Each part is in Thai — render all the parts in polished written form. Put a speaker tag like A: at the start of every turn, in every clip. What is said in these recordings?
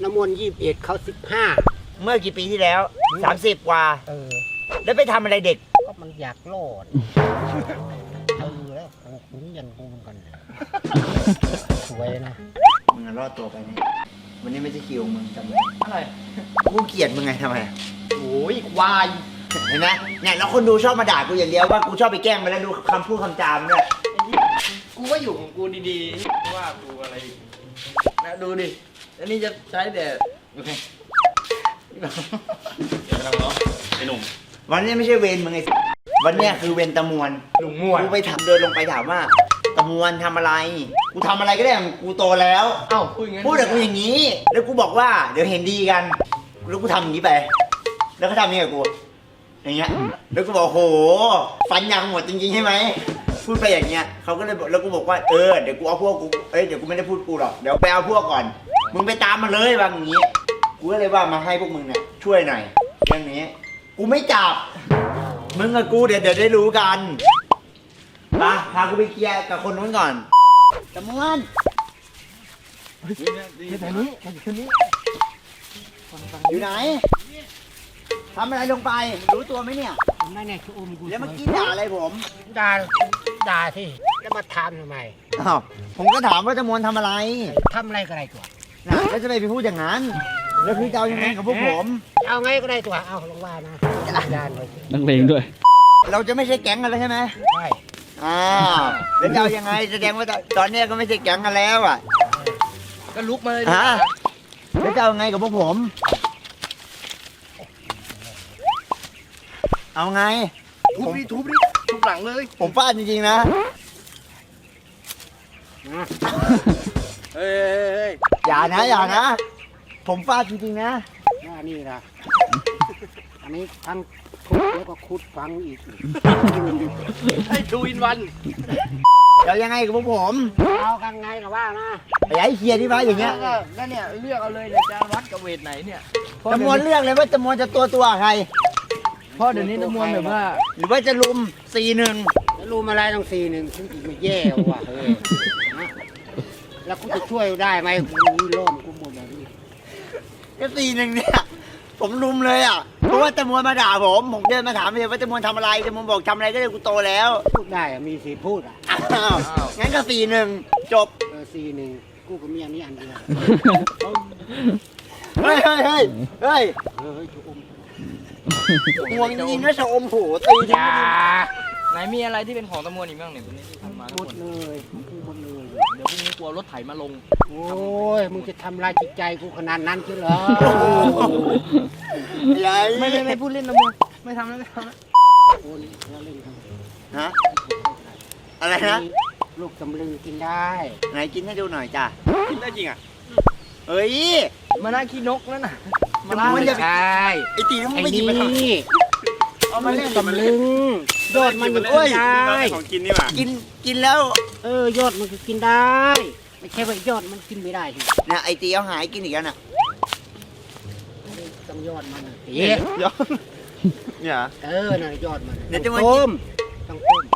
A: น้ำมนต์21เขา15
B: เมื่อกี่ปีที่แล้ว30กว่าแล้วไปทำอะไรเด็ก
A: ก็มันอยากรอดแล้วกูยันกูเหมือนกันสวยนะ
B: มึงรอดตัวไปนี่วันนี้ไม่ใช่คิวมึงจำไว้
C: อะไร
B: กูเกลียดมึงไงทำไม
C: โอ้ยควาย
B: เห็นไหมเนี่ยแล้วคนดูชอบมาด่ากูอย่างเดียวว่ากูชอบไปแกล้งไปแล้วดูคำพูดคำจามเนี่ย
C: กูก็อยู่ของกูดีๆว่ากูอะไรนะดูดิอันนี้จะใช้แต่โอเคเดี๋ยวเราเนาะไอ้หนุ่ม
B: วันนี้ไม่ใช่เวรมึงไงวันนี้คือเวรตะมวน
C: ลุงม่วน
B: กูไปถามเดินลงไปถามว่าตะมวนทำอะไรกูทำอะไรก็ได้กูโตแล้ว
C: เอ้าพูดอย่างงี้
B: พูดแต่กูอย่างนี้แล้วกูบอกว่าเดี๋ยวเห็นดีกันแล้วกูทำอย่างนี้ไปแล้วเขาทำอย่างนี้กับกูอย่างเงี้ยแล้วกูบอกโหฟันยังหมดจริงๆใช่ไหมพูดไปอย่างเงี้ยเขาก็เลยบอกแล้วกูบอกว่าเดี๋ยวกูเอาพวกกูเดี๋ยวกูไม่ได้พูดกูหรอกเดี๋ยวไปเอาพวกก่อนมึงไปตามมาเลยว่าอย่างงี้กูก็เลยว่ามาให้พวกมึงเนี่ยช่วยหน่อยเรื่องนี้กูไม่จับมึงกับกูเดี๋ยวได้รู้กันพากูไปเคลียร์กับคนนู้นก่อนตะมวน
C: แต่นี้
B: อยู่ไหนทำอะไรลงไปรู้ตัวไหมเนี่ย
A: ไม่แน่คืออุ้มกู
B: แล้วเมื่อกี้ด่าอะไรผม
A: ด่าที่แล้วมาถามทำไม
B: อ้าวผมก็ถามว่าตะมวนทำอะไร
A: ก็ได้ตัว
B: นะแล้วจะไปพูดอย่างนั้นแล้วคือจะเอายังไงกับพวกผม
A: เอาไงก็ได้ตัวเอาลงว่านะ
D: นักเลงด้วย
B: เราจะไม่ใช่แก๊งกันแล้วใช่ไหม
A: ใช่
B: แล้วจะเอายังไงแสดงว่าตอนนี้ก็ไม่ใช่แก๊งกันแล้วอ่ะ
C: ก็ลุกมาเลย
B: แล้วจะเอาไงกับพวกผมเอาไง
C: ทุบหลังเลย
B: ผมฟาดจริงๆนะ
C: เฮ้ย
B: อย่านะผมฟาดจริงๆนะ
A: นี่นะอันนี้ทั้งทุบแล้วก็ขุดฝังอีก
C: ให้ทูอินวัน
B: เรายังไงกับพวกผม
A: เอากันไงกับว่านะ
B: อย่าให้เคลียร์ที่ฟ้าอย่างเงี้ย
C: แล้วเนี่ยเลือกเอาเลยเนี่ยจะวัดกับเวทไหนเนี่ย
B: จำนวนเลือกเลยว่าจำนวนจะตัวใคร
C: เพราะเดี๋ยวนี้จำนวนแบบว่า
B: หรือว่าจะลุม4-1
A: จะลุมอะไรต้อง4-1ซึ่งไม่แย่ว่ะเฮ้ยแล้วกูจะช่วยได้ไหมกูล้มกูหมดแบบนี้
B: ก็4-1เนี่ยผมลุมเลยอ่ะเพราะว่าจำนวนมาด่าผมเดินมาถามเลยว่าจำนวนทำอะไรจำนวนบอกทำอะไรก็เลยกูโตแล้ว
A: พูดได้มีสิทธิ์พูดอ่ะ
B: งั้นก็4-1จบ
A: 4-1กูกับเมียนี่อันเดียว
B: เฮ้ยห่วงจริงๆนะชะอมโหตี
C: จ้าไหนมีอะไรที่เป็นของตะมวนอีกบ้างเนี่ยวันนี้ที่ทำมา
A: หมดเลย
C: เดี๋ยวพรุ่งนี้กลัวรถไถมาลง
A: โอ้ยมึงจะทำลายจิตใจกูขนาดนั้นใช่เหรอ
C: ไม่พูดเล่นตะมวนไม่ทำแล้ว
A: โอ้ยเราเล่นกัน
B: ฮะอะไรนะ
A: ลูกตำลึงกินได้
B: ไหนกินให้ดูหน่อยจ้ะ
C: กินได้จริงอ่ะ
B: เฮ้ย
C: มาน่าขี้นกนั่นน่ะ
A: มันจะใช่
B: ไอตีมันไม่หยิบมา
A: เอามาเล่นตำลึงยอดมันกินได้
C: ของกินนี่หว่า
B: กินแล้ว
A: ยอดมันก็กินได้ไม่ใช่ว่ายอดมันกินไม่ได้ที
B: นะไอตีเอาหายกินอีกแล้วน่ะ
A: ต้องยอดมันตี
C: ยอดเนี่ย
A: น่ะยอดมัน
B: เดี๋ยวจะมา
A: ต้มต้องต้ม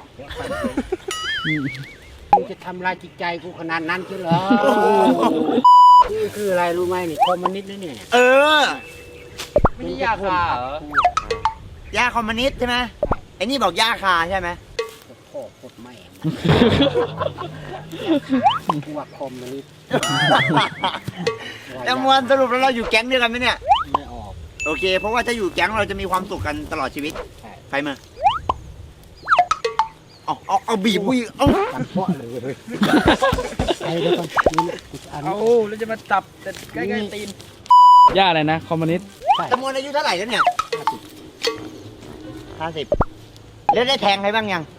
A: มึงจะทำลายจิตใจกูขนาดนั้นใช่เหรอนี่คืออะไรรู้ไหมนี่คอมมิวนิสต์นะเนี่ย
C: ไม่ใช่ยาคาเหร
B: อยาคอมมิวนิสต์ใช่ไหมไอ้นี่บอกยาคาใช่ไหม
A: พ่อโคตรแม่กูว่าคอมมิวนิสต์
B: แต่มวนสรุปแล้วเราอยู่แก๊งเดียวกันไหมเนี่ย
A: ไม่ออก
B: โอเคเพราะว่าถ้าอยู่แก๊งเราจะมีความสุขกันตลอดชีวิตใครมาเอาบีบกูอีก
A: กันเพาะเลยไอ้เดี๋ยวก่อน
C: แล้วจะมาจับแต่ใกล้ๆตีน
D: ย่าอะไรนะคอมมิวนิสต์
B: จำนวนอายุเท่าไหร่แล้วเนี่ย50แล้วได้แทงใครบ้างยัง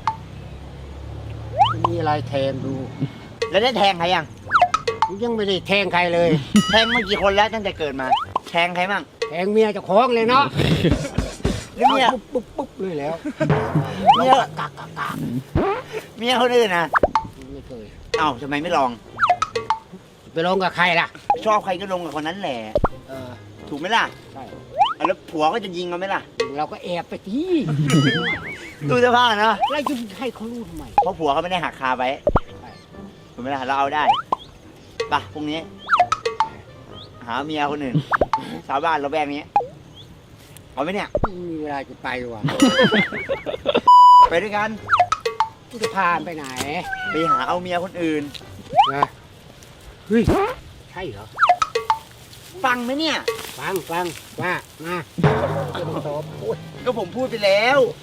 A: มีอะไรแทงดู
B: แล้วได้แทงใคร
A: ยังไม่ได้แทงใครเลย
B: แทงมากี่คนแล้วตั้งแต่เกิดมาแทงใครบ้าง
A: แทงเมียเจ้าของเลยเนาะ
B: แล้วเมีย
A: ปุ๊บเลยแล้ว
B: เมียกากเมียคนอื่นนะ
A: ไม่เคย
B: ทำไมไม่ลอง
A: ไปลงกับใครล่ะ
B: ชอบใครก็ลงกับคนนั้นแหละถูกไหมล่ะ
A: ใช่
B: แล้วผัวก็จะยิงเราไหมล่ะ
A: เราก็แอบไปที่
B: ดูเสื้อผ้านะ
A: แล้วจะให้เขารู้ทำไม
B: เพราะผัวเขาไม่ได้หักคาไว้ถูกไหมล่ะเราเอาได้ป่ะพรุ่งนี้หหาเมียคนอื่นชาวบ้านเราแวกนี้เอาไหมเนี่ย
A: ไม่มีเวลาจะไปว่ะ
B: ไปด้วยกัน
A: กูจะพาไปไหน
B: ไปหาเอาเมียคนอื่น
A: นะเฮ้ยใช่เหรอ
B: ฟังไหมเนี่ย
A: ฟังว่ามาจะมาตอบโอ้ย
B: ก็ผมพูดไปแล้ว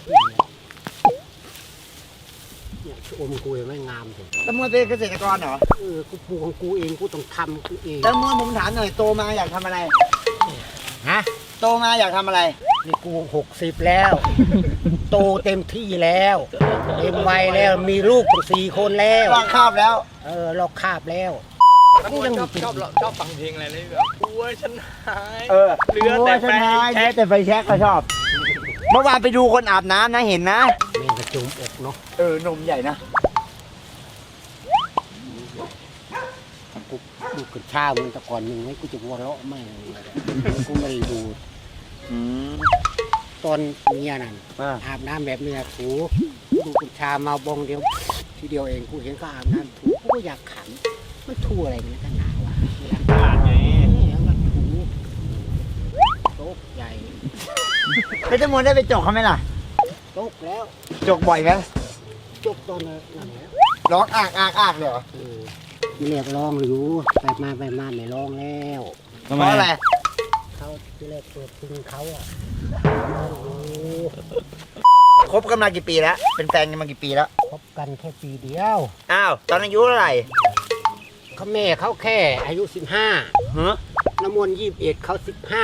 A: เนี่ยชมกูยังไม่งามเลย
B: ตำรวจเป็นเกษตรกรเหรอ
A: กูปลูกของกูเองกูต้องทำกูเอง
B: ตำรวจผมถามหน่อยโตมาอยากทำอะไร
A: ฮะ
B: โตมาอยากทำอะไร
A: นี่กู60แล้ว โตเต็มที่แล้วเต็มวัยแล้วมีลูกตั้ง4 คนแล้ว
B: วางคาบแล้ว
A: ลอกคาบแล้ว
C: แล้วกูชอบฟังเพลงอะไรเลยแบบกลัวฉันหาย
B: เออ
C: เหลือแต่ไฟแช็ก
B: แต่ไฟแช็กก็ชอบ เมื่อวานไปดูคนอาบน้ำนะเห็นนะ
A: แม่งกระจุมอกเนาะ
B: นมใหญ่นะ
A: กูดูกระชามันแต่ก่อนหนึ่งไว้กูจะวัวเราะไม่งกูไม่ได้ดู ตอนเมียนั่นอาบน้ำแบบเมียถูดูกระชามาบองเดียวทีเดียวเองกูเห็นก็อาบน้ำถูกูก็อยากขันมันถูอะไรกันกันหนาวะเวลา
C: ขาดไง
A: แล้วก็ถูโต๊ะใหญ่
B: แล้วจะมวนได้ไปจกเขาไหมล่ะ
A: โต๊ะแล้ว
B: จกบ่อยไหม
A: จบตอนนั้นแล้ว
B: ร้องอากเลยเหรอ
A: เรียกร้องหรือไปมาไม่ร้องแล้ว
D: ทำ
B: เพ
D: ไม
B: ราะอะไร
A: เขาที่แรกตัวพึงเขาอ่ะ
B: คบกันมากี่ปีแล้ว เป็นแฟนกันมากี่ปีแล้ว
A: คบกันแค่ปีเดียว
B: อ้าว ตอนอายุเท่าไหร่
A: เขาแม่เขาแค่อายุ15
B: ฮะ
A: น้ำมนต์21เขา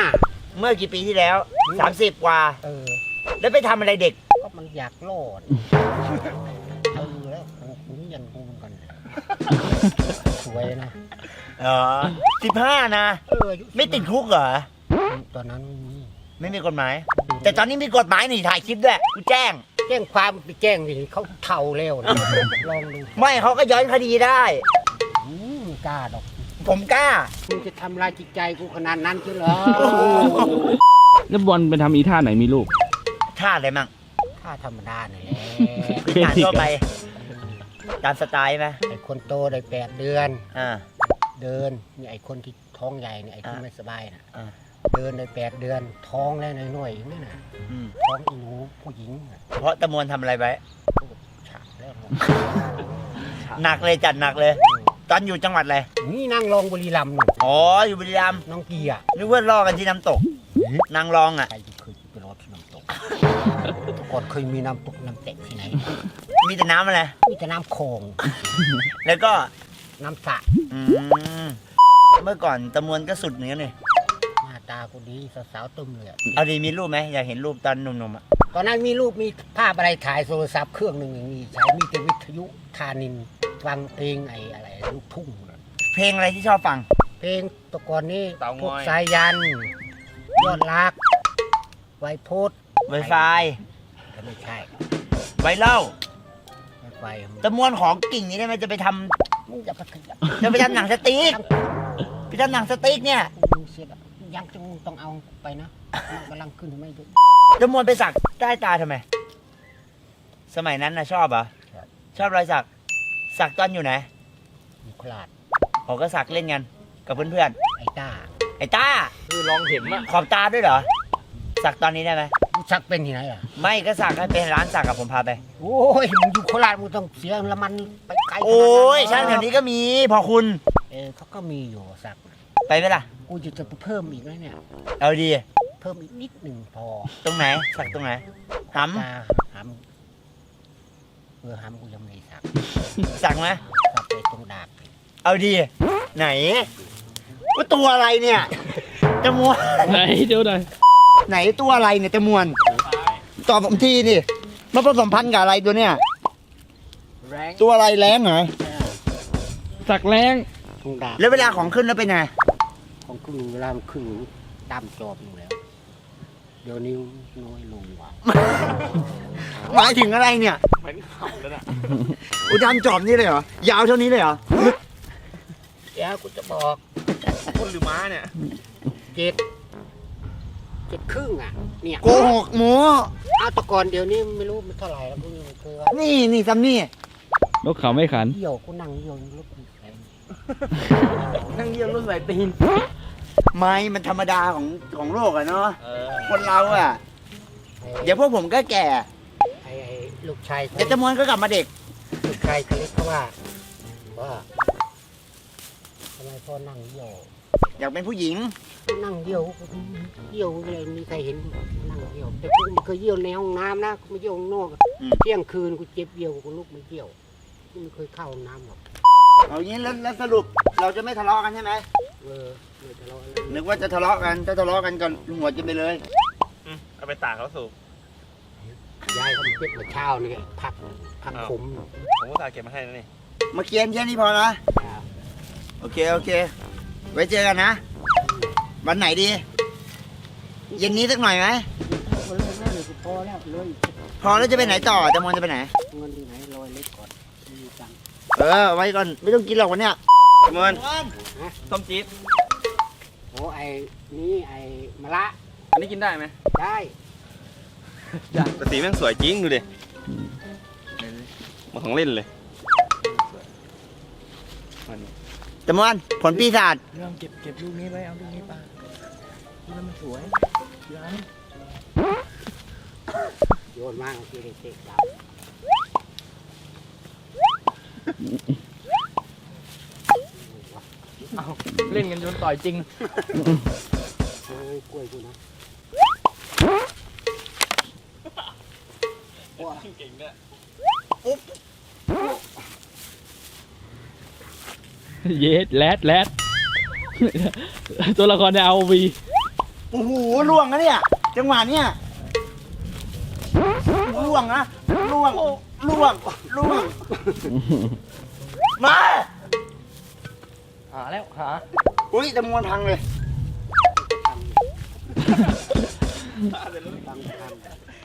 A: 15
B: เมื่อกี่ปีที่แล้ว 30 กว่า แล้วไปทำอะไรเด็ก
A: ก็มันอยากโลดแล้วกูยันกูกันสวยนะ
B: อ๋อ15 นะ
A: อายุ
B: ไม่ติดคุกเหรอ
A: ตอนนั้น
B: ไม่มีกฎหมาย แต่ตอนนี้มีกฎหมายนี่ถ่ายคลิปด้วย กูแจ้ง
A: แจ้งความไปแจ้งดิเขาเท่าแล้วนะลองดู
B: ไม่เขาก็ย้อนคดีได้
A: กล้าดอก
B: ผมกล้า
A: มึงจะทำลายจิตใจกูขนาดนั้นใช่เหรอ
D: แล้วบอลไปทำอีท่าไหนมีลูก
B: ท่าอะไรมั่ง
A: ถ้าธรรมดาเนี่ยแหละ
B: พื้นฐานทั่วไป ตามสไตล์ไหม
A: ไอ้คนโตได้8 เดือน
B: อ่า
A: เดินนี่ไอ้คนที่ท้องใหญ่เนี่ยไอ้ที่ไม่สบายน่ะ
B: อ่า
A: เดินได้8 เดือน ท้องแล้วน้อยๆอย่างนี้น่ะ
B: อืม
A: ท้องอีหนูผู้หญิงน่ะ
B: เพราะตะมวนทำอะไรไว้
A: ฉากแล้ว
B: หนักเลยจัดหนักเลย ตอนอยู่จังหวัดอะไร
A: นี่นั่งรองบุรีรัมย์หนู
B: อ๋อ อยู่บุรีรัมย์
A: น้องเกียร์
B: นึกว่าล่อกันที่น้ำตก นางรองอ่ะ
A: ใครจะเคยไปรอที่น้ำตกแต่ก่อนเคยมีน้ำตกน้ำเตะที่ไหน
B: มีแต่น้ำอะไร
A: มีแต่น้ำโขง
B: แล้วก็
A: น้ำสระ
B: อืมเมื่อก่อนตะมวนก็สุดเหมือนกันนี่
A: หน้าตากูดีสาวๆตึมเลยอะ
B: เอาดีมีรูปไหมอยากเห็นรูปตอนหนุ่มๆอ่ะ
A: ตอนนั้นมีรูปมีภาพอะไรถ่ายโทรศัพท์เครื่องหนึ่งอย่างนี้ใช้มีแต่วิทยุธานินฟังเพลงไอ้อะไรลูกทุ่งน่ะ
B: เพลงอะไรที่ชอบฟัง
A: เพลงแตะกอนนี้พวกสายยัน ยอดรัก ไวโพส
B: ไวไฟ
A: แต่ไม่ใช่
B: ไวเล่า
A: ไวไฟ
B: ตะมวนของกิ่งนี้ได้ไหมจะไปทำ
A: มึงอย่าไปขยับ
B: จะไปทำหนังสติ๊กไปทำหนังสติ๊กเนี่ย
A: มึงเสียดายยังจะต้องเอาไปนะมันกำลังขึ้นไม่เยอะ
B: ตะมวนไปสักใต้ตาทำไม สมัยนั้นนะชอบเหรอ ชอบรอยสัก สักตอนอยู่ไหน
A: มีโคราช
B: เขาก็สักเล่นกันกับเพื่อน
A: ไอ้ต้า
B: ๆ ไอ้ต้า
C: คือลองเห็นอะ
B: ขอบตาด้วยเหรอ สักตอนนี้ได้ไหม
A: มึงชักเป็นที่ไหนอ่ะ
B: ไม่ก็สักให้เป็นร้านสักกับผมพาไป
A: โอ้ยมึงอยู่โคราชมึงต้องเสียละมันไปไกลขนาดนั้น
B: โอ้ยช่างแถวนี้ก็มี พอคุณ
A: เขาก็มีอยู่สัก
B: ไปไหมล่ะ
A: กูจะไปเพิ่มอีกไหมเนี่ย
B: เอาดี
A: เพิ่มอีกนิดหนึ่งพอ
B: ตรงไหน สักตรงไหนห
A: ตาหำหำกูยังไม่ได้สัก
B: ำสักไหม
A: สักไปตรงดาบ
B: เอาดี ไหนว่าตัวอะไรเนี่ยจมวน
D: ไหนเดี๋ยวหน่อย
B: ไหนตัวอะไรเนี่ยจมวนตอบผมทีนี่มาผสมพันธุ์กับอะไรตัวเนี่ย
A: แรง
B: ตัวอะไรแรงเหรอ
D: สักแรง
A: ตรงดาบ
B: แล้วเวลาของขึ้นแล้วเป็นไง
A: ของครึ่งเวลามันครึ่งตามจอบอยู่แล้ว เดี๋ยวนี้น้อยลงว่ะ
B: หมายถึงอะไรเนี่ย
C: เหมือนเขาแล้วนะ
B: อุดมจอบนี่เลยเหรอ ยาวเท่านี้เลยเหรอ
A: เดี๋ยวกูจะบอก
C: คนหรือม้าเนี่ย
A: เจ็ดครึ่งอ่ะ เนี่ย
B: โกหกหมู
A: เอาแตะกอนเดี๋ยวนี้ไม่รู้มันเท่าไหร่แล้วกูยังไม่เคยว่า
B: นี่ซัมนี่
D: นกเขาไม่ขัน
A: เหี่ยวกูนั่งเหี่ยวรถอีกแสน
C: นั่งเยี่ยมรถใส่ตีน
B: ไม่มันธรรมดาของโลกอะเนาะ
C: เออ
B: คนเราอะเดี๋ยวพวกผมก็แก่
A: ไอ้ลูกชาย
B: เดี๋ยวจำนวนก็กลับมาเด็ก
A: ลูกชายเขาเล็กเขาว่าทำไมพ่อนั่งเยี่ยว
B: อยากเป็นผู้หญิง
A: นั่งเยี่ยวอะไรมีใครเห็นนั่งเยี่ยวแต่กูไม่เคยเยี่ยวในห้องน้ำนะกูไม่เยี่ยวข้างนอก
B: อืม
A: เที่ยงคืนกูเจ็บเยี่ยวกูลุกไม่เยี่ยวกูไม่เคยเข้าห้องน้ำหรอก
B: เอางี้แล้วสรุปเราจะไม่ทะเลาะกันใช่ไหม
A: ไม่ทะเลาะอะไร
B: นึกว่าจะทะเลาะกันถ้าทะเลาะกันก็หัวจะไปเลย
C: เอาไปตากเขาสูบ
A: ยายเขาเจ็บมาเช้านี่พักผม
C: ผมก็ตากเก็บมาให้นะนี่
B: มาเคลียร์แค่นี้พอนะโอเคไว้เจอกันนะ วันไหนดี เย็นนี้สักหน่อยไหม
A: คนเลิกแล้วเลยกูพอแล้วเลย
B: พอแล้วจะไปไหนต่อจำมนจะไปไหน
A: เงินที่ไหนลอยเล็กก่อนมีตังค์
B: ไว้ก่อนไม่ต้องกินหรอกวันเนี้ยจำมน
C: ส้มจี๊ด
A: โอ้ไอ้นี่ไอ้มะละ
C: อันนี้กินได้ไหม
A: ได้
C: แต่สีแม่งสวยจริงดูดิมาของเล่นเลย
B: จำมนผลปีศาจ
C: เรื่องเก็บลูกนี้ไว้เอาลูกนี้ไปดูแล้วมันสวยย้าย
A: โยนมากที่เด็กๆดาว
C: เอาเล่นกันจนต่อยจริง
A: เฮ้ยกล้วยกูนะ
C: เก่งด้วย
D: เยสแรดตัวละครในเอาวี
B: โอ้โหล่วงนะเนี่ยจังหวะเนี้ยล่วงนะล่วงมา
C: หาแล้วหา
B: อุ้ยจำมวนพังเลย
A: ตังค์